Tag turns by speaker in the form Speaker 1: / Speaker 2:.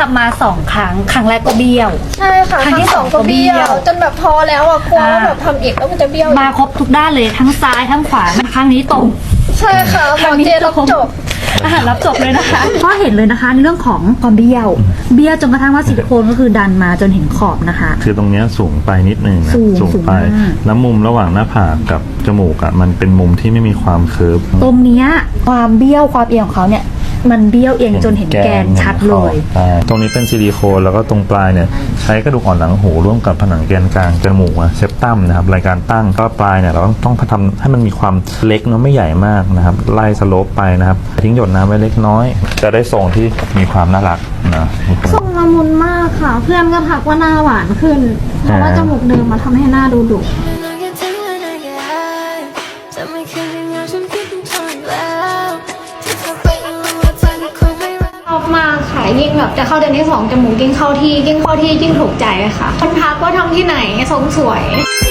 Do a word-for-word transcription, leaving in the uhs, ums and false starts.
Speaker 1: ำมาสองครั้งครั้งแรกก็เบี้ยว
Speaker 2: ใช่ค่ะครั้งที่สองก็เบี้ยวจนแบบพอแล้วอ่ะกลัวว่าแบบทำอีกแล้วมันจะเบี้ยว
Speaker 1: มาครบทุกด้านเลยทั้งซ้ายทั้งขวาครั้งนี้ตรง
Speaker 2: ใช่ค่ะหมอเจรับจบ
Speaker 1: อาหารรับจบเลยนะคะก็เห็นเลยนะคะในเรื่องของความเบี้ยวเบี้ยวจนกระทั่งว่าซิลิโคนก็คือดันมาจนเห็นขอบนะคะ
Speaker 3: คือตรงนี้สูงไปนิดนึงนะ
Speaker 1: สูง
Speaker 3: ไปแล้วมุมระหว่างหน้าผากกับจมูกอะมันเป็นมุมที่ไม่มีความเคิร์ฟ
Speaker 1: ตรงนี้ความเบี้ยวความเอียงของเขาเนี่ยมันเบี้ยวเองจนเห็นแกนชัดเลย
Speaker 3: ตรงนี้เป็นซิลิโคนแล้วก็ตรงปลายเนี่ยใช้กระดูกอ่อนหลังหูร่วมกับผนังแกนกลางจมูกเซปตัมนะครับรายการตั้งก็ปลายเนี่ยเราต้องต้องทำให้มันมีความเล็กเนาะไม่ใหญ่มากนะครับไล่สโลปไปนะครับทิ้งหยดน้ำไว้เล็กน้อยจะได้ทรงที่มีความน่ารักนะ
Speaker 2: ทรงละมุนมากค่ะเพื่อนก็ทักว่าหน้าหวานขึ้นเพราะว่าจมูกเดิมมาทำให้หน้าดูดุชอบมากค่ะยิ่งแบบจะเข้าเดือนที่สองจมูกยิ่งเข้าที่ยิ่งเข้าที่ยิ่งถูกใจค่ะคนทักว่าทำที่ไหนทรงสวย